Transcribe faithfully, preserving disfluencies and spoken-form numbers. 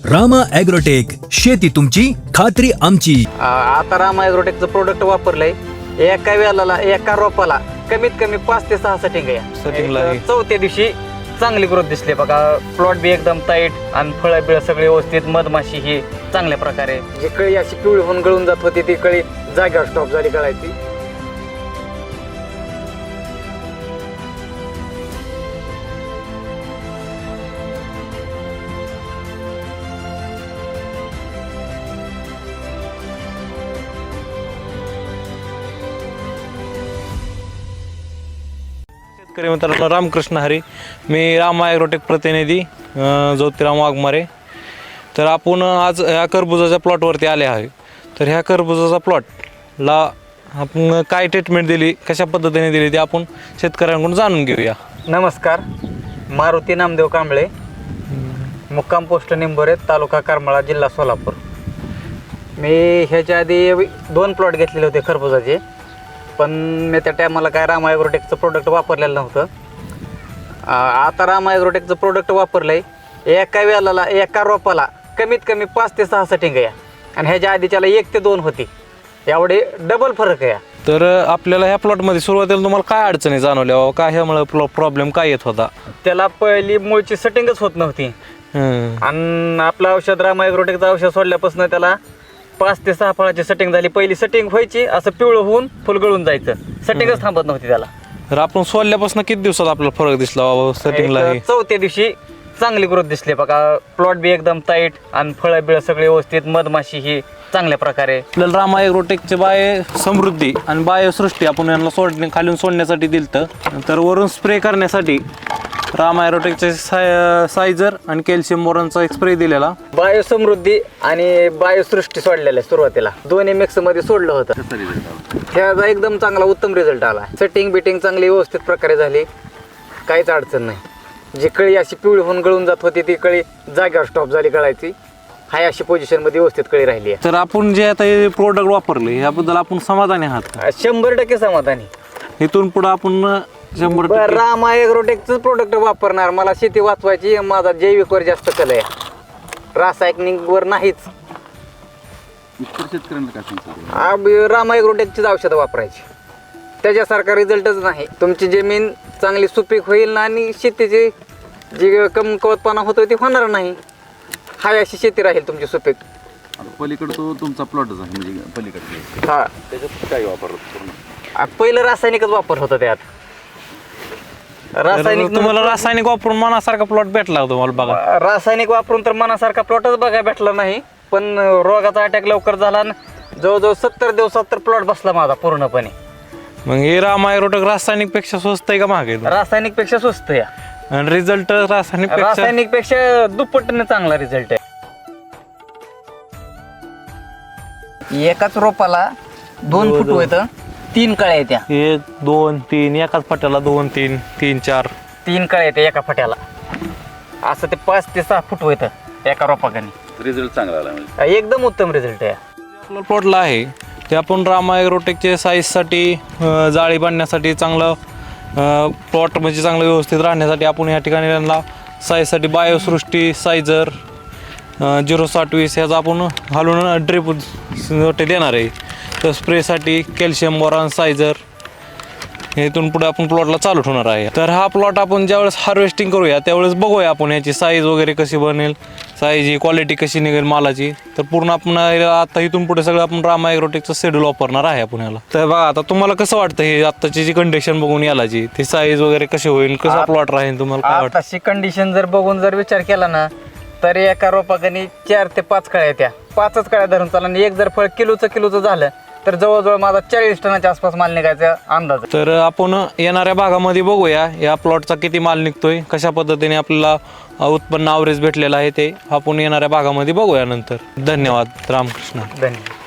Rama agrotech, शेती तुमची खात्री आमची. आ- आता रामा ॲग्रोटेकचं प्रोडक्ट वापरलंय. एका वेळेला एका रोपाला कमीत कमी पाच ते सहा सेटिंग Setting ला आहे. आहे. चौथ्या दिवशी चांगली ग्रोथ दिसली बघा. प्लॉट बी एकदम टाईट आणि फळं बिळ सगळे व्यवस्थित, मधमाशी ही चांगल्या प्रकारे. जी कळी अशी पिवळी होऊन गळून जात होती ती कळी जागेवर स्टॉप झाली गळायची. शेतकरी मित्रांनो, रामकृष्ण हरी. मी रामा ॲग्रोटेक प्रतिनिधी अं, ज्योतिराम वाघमारे. तर आपण आज ह्या टरबुजाच्या प्लॉटवरती आले आहे. तर ह्या टरबुजाचा प्लॉटला आपण काय ट्रीटमेंट दिली, कशा पद्धतीने दिली ते आपण शेतकऱ्यांकडून जाणून घेऊया. नमस्कार, मारुती नामदेव कांबळे, मुक्काम पोस्ट निंबोरे, तालुका करमाळा, जिल्हा सोलापूर. मी ह्याच्या आधी दोन प्लॉट घेतलेले होते खरबुजाचे, पण मी त्या टायमाला काय रामा ॲग्रोटेकचं प्रोडक्ट वापरलेलं नव्हतं. आ- आता रामा ॲग्रोटेकचं प्रोडक्ट वापरलं आहे. एका वेळेला एका रोपाला कमीत कमी पाच ते सहा सेटिंग आहे आणि ह्याच्या आधीच्याला एक ते दोन होती. एवढे डबल फरक आहे. तर आपल्याला ह्या प्लॉटमध्ये सुरुवातीला तुम्हाला काय अडचणी जाणवल्या, काय ह्यामुळे प्रॉब्लेम काय येत होता? त्याला पहिली मूळची सेटिंगच होत नव्हती. हम्म. आणि आपलं औषध रामा ॲग्रोटेकचं औषध सोडल्यापासून त्याला पाच ते सहा फळाची सेटिंग झाली. पहिली सेटिंग व्हायची, असं पिवळं होऊन फुल गळून जायचं, सेटिंगच थांबत नव्हती त्याला. तर आपण सोडल्यापासून किती दिवसात आपल्याला फरक दिसला बाबा सेटिंगला? एक चौथ्या दिवशी चांगली ग्रोथ दिसली बघा. प्लॉट बी एकदम टाईट आणि फळं बिळ सगळे व्यवस्थित, मधमाशी ही चांगल्या प्रकारे. आपल्याला रामा ॲग्रोटेकचे बाय समृद्धी आणि बायोसृष्टी आपण यांना सोडणे खालून सोडण्यासाठी दिलतं. तर वरून स्प्रे करण्यासाठी रामा ॲग्रोटेकचे साय सायझर आणि कॅल्शियम बोरॉनचा एक स्प्रे दिलेला. बायोसमृद्धी आणि बायोसृष्टी सोडलेल्या सुरुवातीला दोन्ही मिक्स मध्ये सोडलं होतं. त्याचा एकदम चांगला उत्तम रिझल्ट आला. सेटिंग बिटिंग चांगली व्यवस्थित प्रकारे झाली, काहीच अडचण नाही. जी कळी अशी पिवळी होऊन गळून जात होती ती कळी जागेवर स्टॉप झाली गळायची. हाय अशी पोझिशन मध्ये व्यवस्थित कळी राहिली आहे. तर आपण जे आता हे प्रोडक्ट वापरले याबद्दल आपण समाधानी आहात का? शंभर टक्के समाधानी. इथून पुढे आपण शंभर बरं, टक्के रामा ॲग्रोटेकचं प्रोडक्ट वापरणार. मला शेती वाचवायची, माझा जैविकवर जास्त कल आहे, रासायनिकवर नाहीच. आ- रामा ॲग्रोटेकचीच औषधं वापरायची, त्याच्यासारखा रिझल्टच नाही. तुमची जमीन चांगली सुपीक होईल ना आणि शेतीची जी कमकुवतपणा होतो ती होणार नाही. हाय अशी शेती राहील तुमची सुपीक. पलीकडे तो तुमचा प्लॉटच आहे, म्हणजे पलीकडे हा, त्याच्यात काय वापरलं पूर्ण? आ, पहिलं रासायनिकच वापर होता त्यात. रासायनिक तुम्हाला रासायनिक वापरून मनासारखा प्लॉट भेटला तुम्हाला बघा. रासायनिक वापरून तर मनासारखा प्लॉटच बघायला भेटला नाही, पण रोगाचा अटॅक लवकर झाला आणि जवळजवळ सत्तर दिवसात तर प्लॉट बसला माझा पूर्णपणे. मग हे रामा ॲग्रोटेक रासायनिक पेक्षा स्वस्त आहे का महाग आहे? रासायनिक पेक्षा स्वस्त आहे. आणि रिझल्ट रासायनिक पेक्षा रासायनिक पेक्षा दुप्पटीने चांगला रिझल्ट आहे. एकाच रोपाला दोन फूट होत, तीन कळ्या येत्या. एक दोन तीन एकाच फट्याला दोन तीन तीन चार तीन कळ्या येत्या एका फट्याला. असं ते पाच ते सहा फूट होत एका रोपाकाने. रिझल्ट चांगला आला म्हणजे. एकदम उत्तम रिझल्ट आहे. आपलं प्लॉटला आहे ते आपण रामा ॲग्रोटेकचे साईजसाठी जाळी बांधण्यासाठी चांगलं प्लॉट म्हणजे चांगलं व्यवस्थित राहण्यासाठी आपण या ठिकाणी त्यांना साईजसाठी बायोसृष्टी सायझर झिरो साठ वीस ह्याचा आपण घालून ड्रिप देणार आहे. तर स्प्रेसाठी कॅल्शियम बोरॉन सायझर हे इथून पुढे आपण प्लॉटला चालू ठेवणार आहे. तर हा प्लॉट आपण ज्यावेळेस हार्वेस्टिंग करूया त्यावेळेस बघूया आपण याची साईज वगैरे कशी बनेल, साईज क्वालिटी कशी निघेल मालाची. तर पूर्ण आपण आता इथून पुढे सगळं आपण रामा ॲग्रोटेकचं शेड्यूल वापरणार आहे आपण याला. तर बघा आता तुम्हाला कसं वाटतं हे आत्ताची जी कंडिशन बघून यालाची ती साईज वगैरे कशी होईल, कसा प्लॉट राहील, तुम्हाला काय वाटतं? आताची कंडिशन जर बघून जर विचार केला ना तर एका रोपाकाने चार ते पाच कळ्या येत्या. पाचच कळ्या धरून चालला आणि एक जर फळ किलोचं किलोचं झालं तर जवळजवळ माझा चाळीस टनाच्या आसपास माल निघायचा अंदाज. तर आपण येणाऱ्या भागामध्ये बघूया या प्लॉटचा किती माल निघतोय, कशा पद्धतीने आपल्याला उत्पन्न ॲव्हरेज भेटलेलं आहे ते आपण येणाऱ्या भागामध्ये बघूया नंतर. धन्यवाद. रामकृष्ण. धन्यवाद.